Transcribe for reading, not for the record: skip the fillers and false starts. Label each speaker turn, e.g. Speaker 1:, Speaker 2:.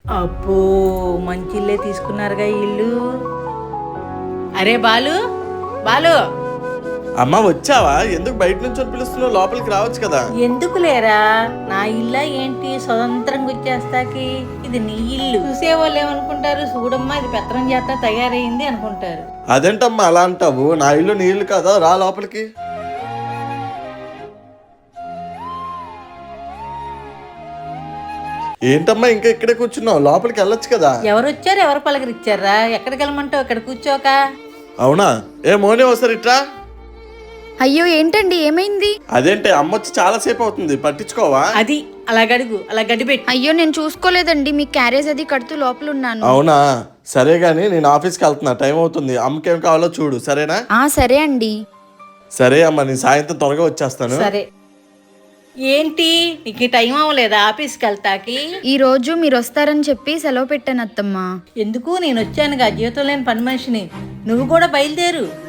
Speaker 1: అబ్బో మంచి ఇల్లే తీసుకున్నారుగా ఈ ఇల్లు. అరే బాలు, బాలు
Speaker 2: అమ్మ వచ్చావా? ఎందుకు బయట నుంచి పిలుస్తున్నావు? లోపలికి రావచ్చు కదా.
Speaker 1: ఎందుకు లేరా? నా ఇల్లా ఏంటి స్వతంత్రంగా వచ్చేస్తాకి? ఇది నీ ఇల్లు. చూసేవాళ్ళు ఏమనుకుంటారు? చూడమ్మా ఇది పెత్తనం చేత తయారైంది అనుకుంటారు.
Speaker 2: అదేంటమ్మా అలా అంటావు? నా ఇల్లు నీ ఇల్లు కదా, రా లోపలికి. ఏంటమ్మా ఇంకా ఇక్కడే కూర్చున్నావు? లోపలికి వెళ్ళొచ్చు కదా.
Speaker 1: ఎవరు వచ్చారు, ఎవరు పలకరిచ్చారా? ఎక్కడికి వెళ్ళమంటావు? ఇక్కడ కూర్చోక.
Speaker 2: అవునా? ఏ మోనే వస్తారు ఇట్రా.
Speaker 3: అయ్యో ఏంటండి ఏమైంది?
Speaker 2: అదేంటి అమ్మ వచ్చి చాలా సేపు అవుతుంది, పట్టించుకోవా?
Speaker 1: అది అలా గడుగు, అలా గడిపెట్టు.
Speaker 3: అయ్యో నేను చూసుకోలేదండి, మీ క్యారేజ్ అది కడుతూ లోపల ఉన్నాను.
Speaker 2: అవునా? సరే గాని నేను ఆఫీస్కి వెళ్తున్నా, టైం అవుతుంది. అమ్మకేం కావాలో చూడు, సరేనా?
Speaker 3: సరే అండి.
Speaker 2: సరే అమ్మ, నేను సాయంత్రం త్వరగా వచ్చేస్తాను.
Speaker 1: సరే. ఏంటి నీకు టైం అవ్వలేదా ఆఫీస్కి వెళ్తాకి?
Speaker 3: ఈ రోజు మీరు వస్తారని చెప్పి సెలవు పెట్టాను అత్తమ్మ.
Speaker 1: ఎందుకు? నేను వచ్చానుగా, జీవితం లేని పని మనిషిని. నువ్వు కూడా బయలుదేరు.